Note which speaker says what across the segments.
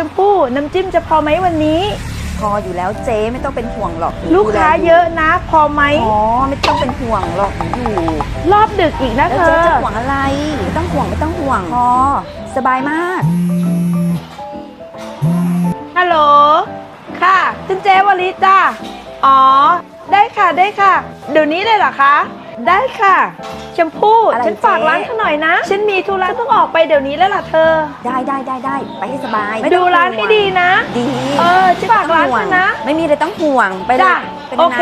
Speaker 1: มพู่น้ำจิ้มจะพอไหมวันนี้
Speaker 2: พออยู่แล้วเจ๊ไม่ต้องเป็นห่วงหรอก
Speaker 1: ลูกค้าเยอะนะพอไหม
Speaker 2: อ๋อไม่ต้องเป็นห่วงหรอกอยู่
Speaker 1: รอบดึกอีกนะเธอ
Speaker 2: เจ๊จะห่วงอะไรไม่ต้องห่วงพอสบายมาก
Speaker 1: ฮัลโหลค่ะฉันเจ๊วลิจ้าอ๋อได้ค่ะเดี๋ยวนี้เลยเหรอคะได้ค่ะชมพู่ฉันฝากร้านเธอหน่อยนะฉันมีธุระต้องออกไปเดี๋ยวนี้แล้วล่ะเธอ
Speaker 2: ได้ไปให้สบาย
Speaker 1: ดูร้านให้ดีนะ
Speaker 2: ดี
Speaker 1: ฉันฝากร้านเธอนะ
Speaker 2: ไม่มีอะไรต้องห่วงไปเลย
Speaker 1: โอเค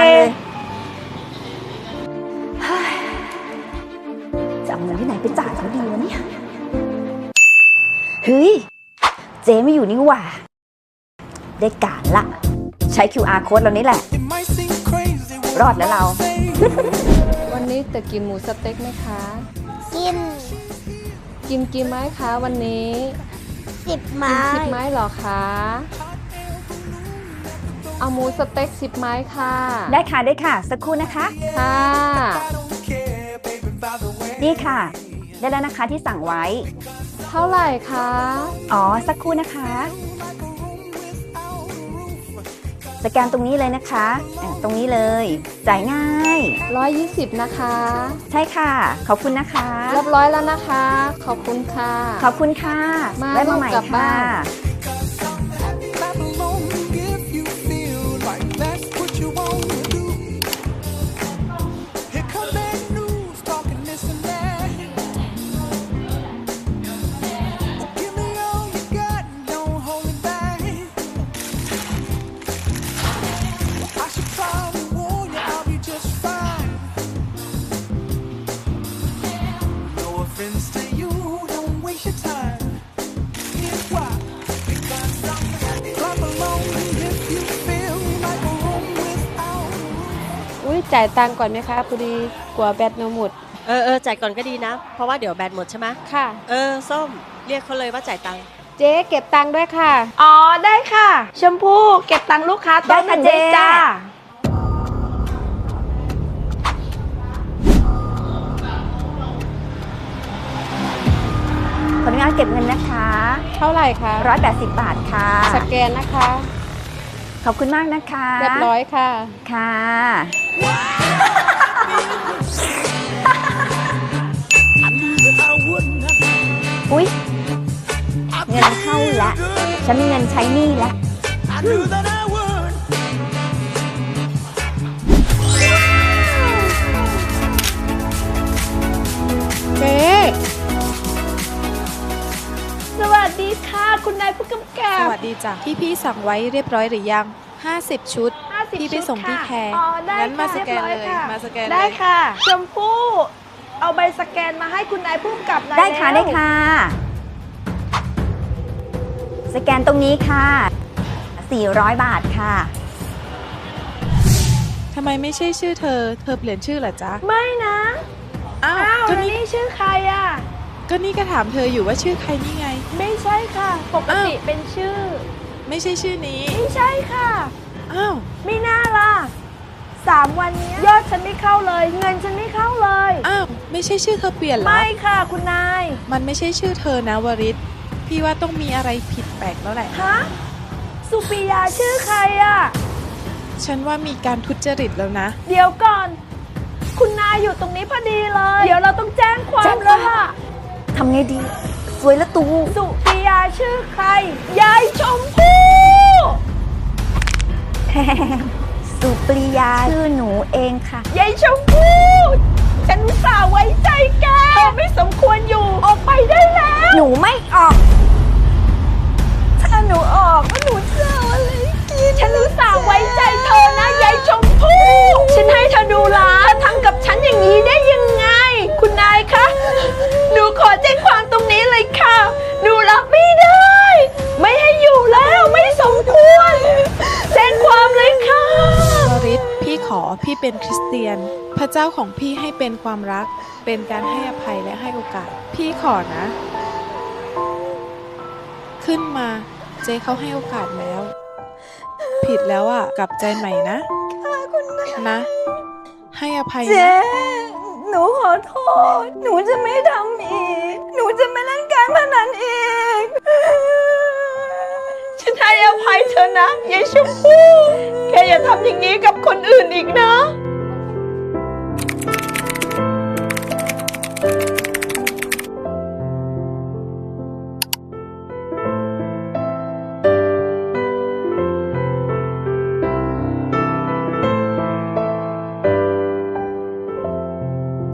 Speaker 2: จะเอาเงินที่ไหนไปจ่ายเขาดีวะเนี่ยเฮ้ยเจ๊ไม่อยู่นี่หว่าได้การละใช้ QR code เรานี่แหละรอดแล้วเรา
Speaker 3: วันนี้จะกินหมูสเต็กไหมคะ
Speaker 4: กิน
Speaker 3: กี่ไม้คะวันนี้
Speaker 4: 10 ไม้
Speaker 3: 10 ไม้หรอคะเอาหมูสเต็ก10 ไม้ค่ะ
Speaker 2: ได้ค่ะสักครู่นะคะ
Speaker 3: ค่ะ
Speaker 2: นี่ค่ะได้แล้วนะคะที่สั่งไว้
Speaker 3: เท่าไหร่คะ
Speaker 2: อ๋อสักครู่นะคะสแกนตรงนี้เลยนะคะตรงนี้เลยจ่ายง่าย
Speaker 3: 120นะคะ
Speaker 2: ใช่ค่ะขอบคุณนะคะ
Speaker 3: เรียบร้อยแล้วนะคะขอบคุณค่ะ
Speaker 2: ไว้มาใหม่ค่ะ
Speaker 3: จ่ายตังค์ก่อนไหมคะพอดีกลัวแบตหมด
Speaker 5: จ่ายก่อนก็ดีนะเพราะว่าเดี๋ยวแบตหมดใช่ไหม
Speaker 3: ค่ะ
Speaker 5: ส้มเรียกเขาเลยว่าจ่ายตังค์
Speaker 3: เจ๊เก็บตังค์ด้วยค่ะ
Speaker 1: อ๋อได้ค่ะชมพู่เก็บตังค์ลูกค้าได้ค่ะเจ๊จ้า
Speaker 2: ขออนุญาตเก็บเงินนะคะ
Speaker 3: เท่าไหร่คะ
Speaker 2: 180 บาทค่ะ
Speaker 3: สแกนนะคะ
Speaker 2: ขอบคุณมากนะคะ
Speaker 3: เรียบร้อยค่ะ
Speaker 2: ค่ะอุ๊ยเงินเข้าละฉันมีเงินใช้หนี้ละ
Speaker 3: เจ๊
Speaker 1: สวัสดีค่ะคุณนายผู้กำกับ
Speaker 6: สวัสดีจ้ะที่พี่สั่งไว้เรียบร้อยหรือยัง50 ชุดพี่ไปส่งที่แคร์งั้นมาสแกนเลย
Speaker 1: ได้ค่ะชมพู่เอาใบสแกนมาให้คุณนายผู้กำกับหน่อย
Speaker 2: ได้ค่ะสแกนตรงนี้ค่ะ400 บาทค่ะ
Speaker 6: ทำไมไม่ใช่ชื่อเธอเปลี่ยนชื่อเหรอจ๊ะ
Speaker 1: ไม่นะ
Speaker 6: อ้าว
Speaker 1: ก็นี่ชื่อใครอ่ะ
Speaker 6: ก็นี่ก็ถามเธออยู่ว่าชื่อใครนี่ไง
Speaker 1: ไม่ใช่ค่ะปกติเป็นชื่อ
Speaker 6: ไม่ใช่ชื่อนี้
Speaker 1: ไม่ใช่ค่ะ
Speaker 6: อ้าว
Speaker 1: ไม่น่าล่ะ3 วันนี้ยอดฉันไม่เข้าเลยเงินฉันไม่เข้าเลย
Speaker 6: อ้าวไม่ใช่ชื่อเธอเปลี่ยนเหรอ
Speaker 1: ไม่ค่ะคุณนาย
Speaker 6: มันไม่ใช่ชื่อเธอนะวริศพี่ว่าต้องมีอะไรผิดแปลกแล้วแหละ
Speaker 1: ฮะสุปิยาชื่อใครอ่ะ
Speaker 6: ฉันว่ามีการทุจริตแล้วนะ
Speaker 1: เดี๋ยวก่อนคุณนายอยู่ตรงนี้พอดีเลยเดี๋ยวเราต้องแจ้งความแล้วล่ะ
Speaker 2: ทำไงดีสวยละตู
Speaker 1: สุปิยาชื่อใครยายชมพู่
Speaker 2: สุปริยาชื่อหนูเองค่ะ
Speaker 1: ยายชมพู่ฉันอุตส่าห์ไว้ใจแกเธอไม่สมควรอยู่ออกไปได้แล้ว
Speaker 2: หนูไม่ออกถ้าหนูออกก็หนูเจออะไรกิน
Speaker 1: ฉันอุตส่าห์ไว้ใจเธอนะยายชมพู่ฉันให้เธอดูร้านทำกับฉันอย่างนี้ได้ยังไงคุณนายคะหนูขอแจ้งความตรงนี้เลยค่ะหนูรับไม่ได้ไม่ให้อยู่แล้วไม่สมควรแจ้งความเลยค่ะ
Speaker 6: วริศพี่เป็นคริสเตียนพระเจ้าของพี่ให้เป็นความรักเป็นการให้อภัยและให้โอกาสพี่ขอนะขึ้นมาเจ๊เขาให้โอกาสแล้วผิดแล้วอ่ะกลับใจใหม่นะนะให้อภัยนะ
Speaker 2: เจ๊หนูขอโทษหนูจะไม่ทำอีกหนูจะไม่เล่นการพนันอีก
Speaker 1: อภัยเธอนะยายชมพู่แกอย่าทำอย่างนี้กับคนอื่นอีกนะ